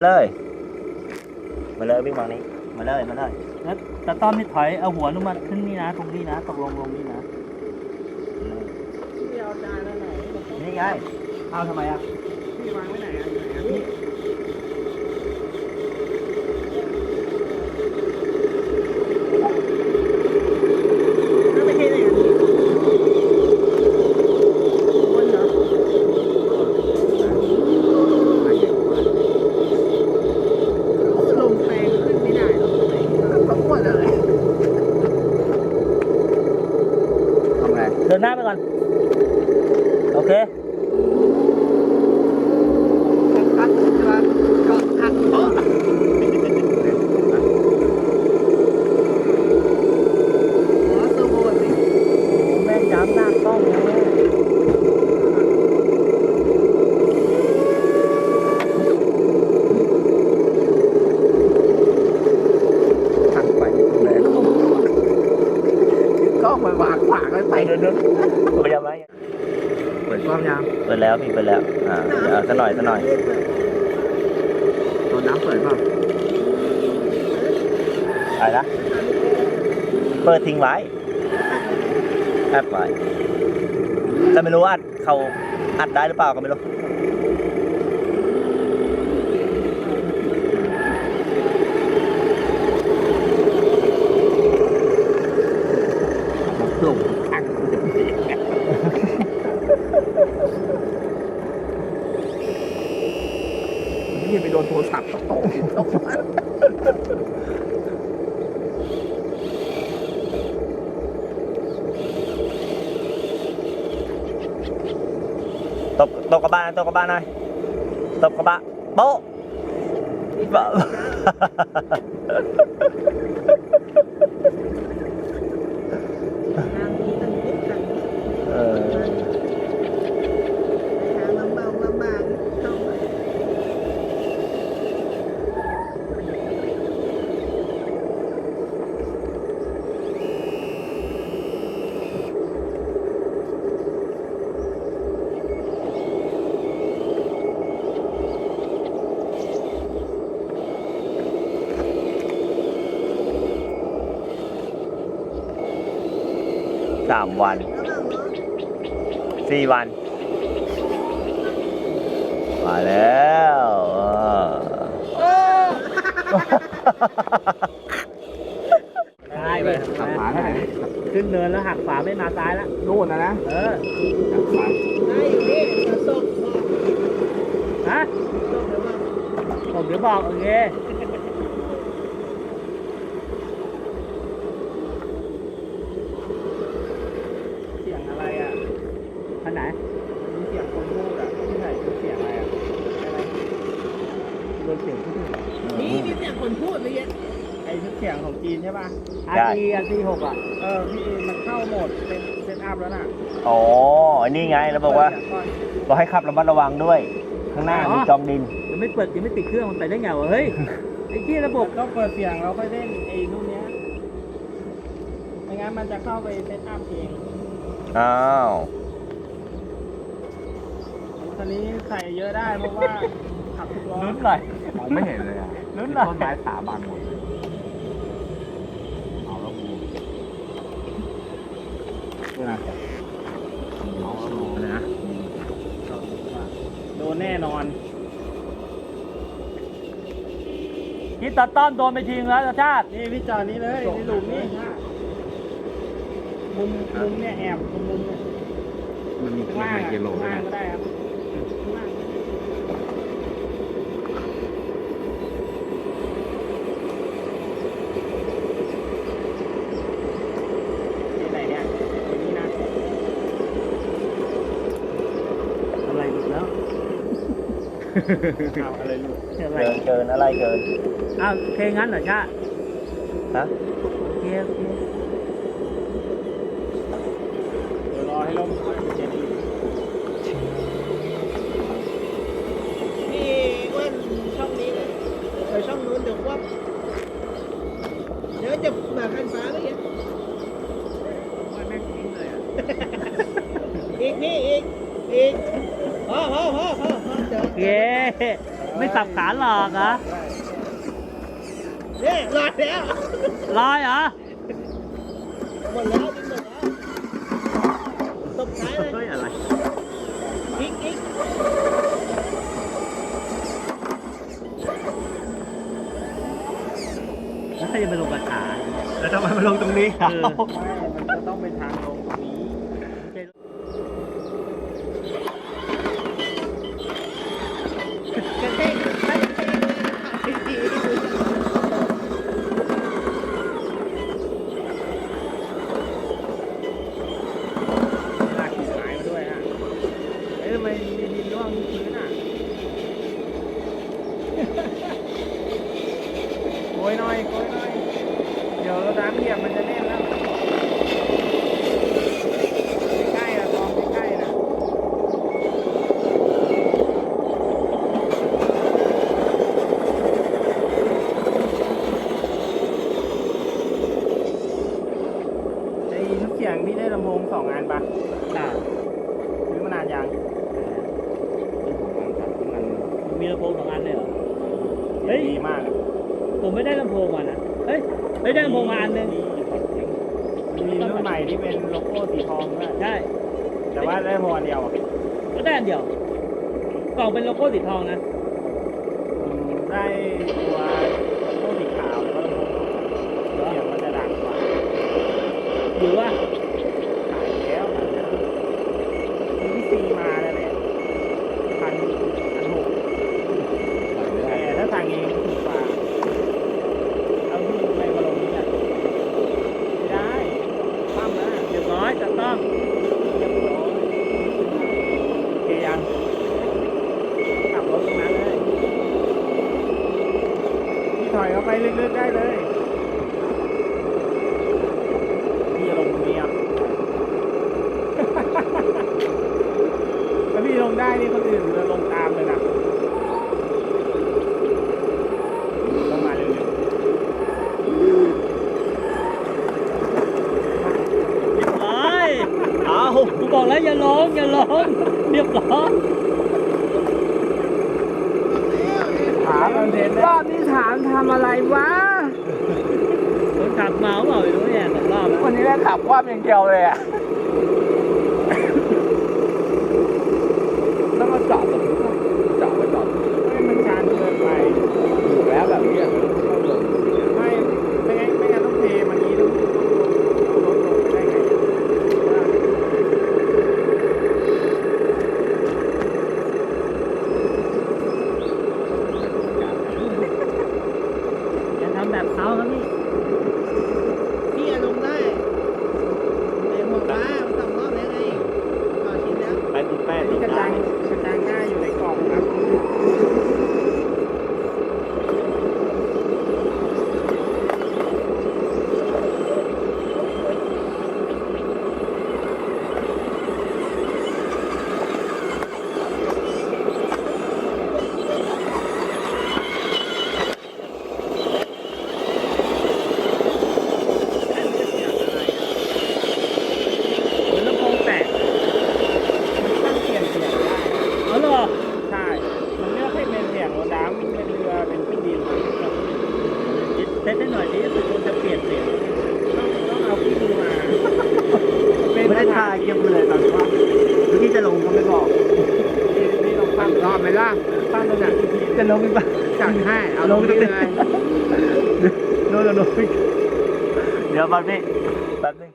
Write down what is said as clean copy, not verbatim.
เลยมาเลยวิ่งมานี้มาเลยแล้วตะต้อมนี่ถอยเอาหัวลงมาขึ้นนี่นะตรงนี้นะตกลงนี่นะพี่เอาจานแล้วไหนนี่ไงเอาทำไมอ่ะพี่วางไว้ไหนอ่ะอยู่ไหนอ่ะพี่แล้วไม่ใช่ไหนอ่ะบนเหรอลงแปลงขึ้นไม่ได้หรอกเขาปวดอะไรทำไงเดินหน้าไปก่อนโอเคคัดใช่ป่ะก็คัดโอ้สมบูรณ์สิแม่งย้ำหน้ากล้องเลยทันไปแรงก็มันวางขวางเลยไปเดินพยายามไหมเปิดกล้องยังเปิดแล้วพี่เปิดแล้วสักหน่อยตัวน้ำเปิดเปล่าอะไรนะเปิดทิ้งไว้แอบไว้แต่ไม่รู้ว่าเขาอัดได้หรือเปล่าก็ไม่รู้หลงอักนี่ไปโดนโทรศัพท์ตกตกกระบะหน่อยตกกระบะโป๊ะเออ3 วัน 4 วันมาแล้วซ้ายไปขับขวาไหนขึ้นเนินแล้วหักขวาไม่มาซ้ายแล้วนู่นนะหักขวาได้อยู่นี่จะส่งฮะส่งเดี๋ยวมาผมเดี๋ยวบอกโอเคเสียงอะไรอ่ะอันไหนมีเสียงคนพูดอ่ะที่ไหนเป็นเสียงอะไรอ่ะอะไรโดนเสียงพูดนี่มีเสียงคนพูดเลยเนี่ยไอ้เสียงของจีนใช่ป่ะ RT 6อ่ะพี่มันเข้าโหมดเป็นเซตอัพแล้วน่ะอ๋อนี่ไงแล้วบอกว่าบอกให้ขับระมัดระวังด้วย ข้างหน้ามีจอมดินยังไม่ติดเครื่องมันไปได้ไงวะเฮ้ยไอ้ที่ระบบต้องเปิดเสียงแล้วค่อยเล่นไอ้นู่นเนี้ยไม่งั้นมันจะเข้าไปเซตอัพเองอ้าวตอนนี้ใส่เยอะได้เพราะว่าขับทุกล้อลุ้นหน่อยมองไม่เห็นเลยอ่ะลุ้นหน่อยต้นไม้สาบังหมดเลยเอาแล้วกูนี่นะเอาแล้วกูนะโดนแน่นอนคิดตัดต้อมโดนไปทิ้งแล้วชาตินี่พี่จอดนี่เลยนี่หลุมนี่มุมเนี่ยแอบมุมเนี่ยมันมีข้างล่างกิโลข้างล่างก็ได้ครับข้างล่างที่ไหนเนี่ยที่นี่นะอะไรอีกแล้วเอาอะไรลูกอะไรเกินอะไรเกินอ้าวโอเคงั้นเหรอชาติฮะโอเคเดี๋ยวรอให้ลมพัดเจ็ดอีกพี่อ้วนช่องนี้เลยช่องนู้นเดี๋ยวว่าเดี๋ยวจะแบบคันฟ้าเลยอ่ะว่าแม่งทิ้งเลยอ่ะอีกพี่อีกพอเดี๋ยวโอเคไม่สับขาหลอกเหรอเนี่ยลอยแล้วลอยเหรอหมดแล้วดึงหมดแล้วตบท้ายเลยเฮ้ยอะไรอีกแล้วใครจะไปลงกระถาแล้วทำไมมาลงตรงนี้ครับเออมันจะต้องเป็นทางลงตรงนี้กระเทงลากกิ่งไม้มาด้วยฮะเอ้ยทำไมมีดินร่วงที่พื้นอ่ะ โกยหน่อย เดี๋ยวน้ำเหยียบมันจะแน่นแล้ว ใกล้ๆนะกองใกล้ๆนะไอ้ทุกเสียงที่ได้ลำโพง2 อันปะอ่าซื้อมานานยังมีลำโพง2 อันเลยเหรอ เฮ้ยดีมากอะผมไม่ได้ลำโพงมานะเฮ้ยได้ลำโพงมาอันหนึงมีรุ่นใหม่ที่เป็นโลโก้สีทองด้วยใช่แต่ว่าได้ลำโพงอันเดียวอะก็ได้อันเดียว กล่องเป็นโลโก้สีทองนะได้ตัวโลโก้สีขาวแล้วก็ลำโพงเสียงมันจะดังกว่าหรือว่าขายแล้วมีที่ซีมาแล้วแหละ1,600แต่ถ้าสั่งเองถูกกว่าเอาที่ไปมาลงนี้อ่ะไม่ได้ปั้มนะเรียบร้อยจะต้องเรียบร้อยโอเคยังขับรถตรงนั้นเลยพี่ถอยเข้าไปลึกๆได้เลยพี่จะลงตรงนี้อ่ะ ถ้าพี่ลงได้นี่คนอื่นจะลงตามเลยนะต้องมาเร็วเรียบร้อยเอากูบอกแล้วอย่าลงเรียบร้อยๆถามคอนเทนต์รอบนี้ถามทำอะไรวะคนขับเมาเปล่าไม่รู้เนี่ย2 รอบแล้ววันนี้แม่ขับคว่ำอย่างเดียวเลยอ่ะ ต้องมาจอดตรงนี้จอดไว้ก่อนไม่มันชันเกินไปอยู่แล้วแบบนี้ไม่งั้นต้องเทมันนี้ต้องรถลงไปได้ไงอะอย่าทำแบบเขาครับพี่พี่อารมณ์ได้ไอ้หัวฟ้ามัน2 รอบแล้วไงต่อชิ้นแล้วไปติดแป้งอันตินี้ดกระได้จังง่ายอยู่ในกล่องครับเหมือนลำโพงแตกมันตั้งเปลี่ยนเสียงได้เอาเหรอใช่ มันเลือกให้เป็นเสียงรถน้ำเป็นเรือเป็นเครื่องบินต้องเซตให้หน่อยดิรู้สึกว่าจะเปลี่ยนเสียงเอาเครื่องมือมาไม่ได้ทาเก็บเลยตอนว่าเมื่อกี้จะลงก็ไม่บอกนี่ลองปั้มรอบไหมล่ะปั้มตรงไหนจะลงอีกปะจัดให้เอาลงตรงเลนี้ยโน่นโน่นเดี๋ยวมาพี่แป๊บนึง